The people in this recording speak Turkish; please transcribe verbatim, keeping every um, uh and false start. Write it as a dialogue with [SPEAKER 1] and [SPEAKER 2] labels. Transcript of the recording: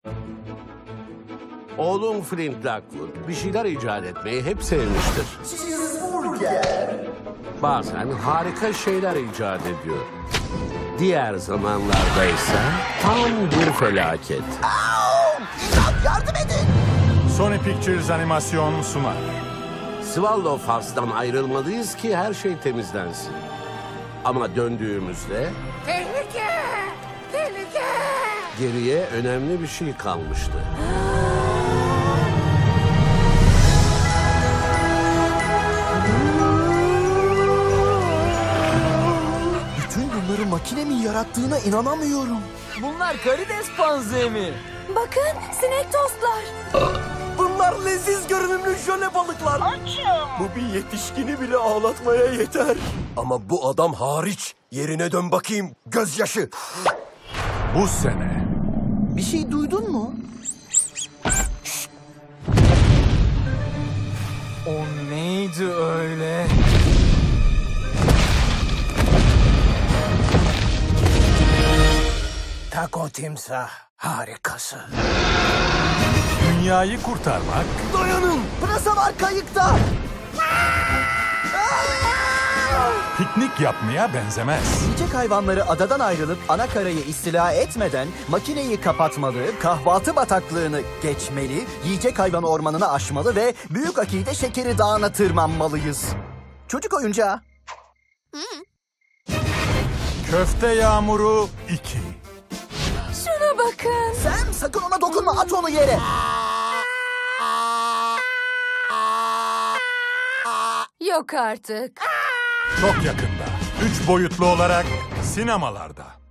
[SPEAKER 1] Oğlum Flint Lockwood bir şeyler icat etmeyi hep sevmiştir. Bazen harika şeyler icat ediyor. Diğer zamanlarda ise tam bir felaket.
[SPEAKER 2] İmdat, yardım edin!
[SPEAKER 3] Sony Pictures animasyon sunar.
[SPEAKER 1] Swallow Fars'tan ayrılmalıyız ki her şey temizlensin. Ama döndüğümüzde
[SPEAKER 4] Tehlike! Tehlike!
[SPEAKER 1] geriye önemli bir şey kalmıştı.
[SPEAKER 2] Bütün bunları makinemin yarattığına inanamıyorum.
[SPEAKER 5] Bunlar karides panzehri mi?
[SPEAKER 6] Bakın, sinek tostlar.
[SPEAKER 2] Bunlar leziz görünümlü jöle balıklar.
[SPEAKER 4] Açım!
[SPEAKER 2] Bu bir yetişkini bile ağlatmaya yeter. Ama bu adam hariç. Yerine dön bakayım, gözyaşı.
[SPEAKER 3] Bu sene
[SPEAKER 2] Bir şey duydun mu?
[SPEAKER 5] O neydi öyle?
[SPEAKER 2] Taco timsah harikası.
[SPEAKER 3] dünyayı kurtarmak,
[SPEAKER 2] Dayanın! Pırasa var kayıkta!
[SPEAKER 3] piknik yapmaya benzemez.
[SPEAKER 7] Yiyecek hayvanları adadan ayrılıp ana karayı istila etmeden makineyi kapatmalı, kahvaltı bataklığını geçmeli, yiyecek hayvan ormanını aşmalı ve Büyük Akide Şekeri Dağı'na tırmanmalıyız. Çocuk oyuncağı.
[SPEAKER 3] Köfte Yağmuru iki.
[SPEAKER 6] Şuna bakın.
[SPEAKER 7] Sen sakın ona dokunma, at onu yere.
[SPEAKER 6] Yok artık.
[SPEAKER 3] Çok yakında. Üç boyutlu olarak sinemalarda.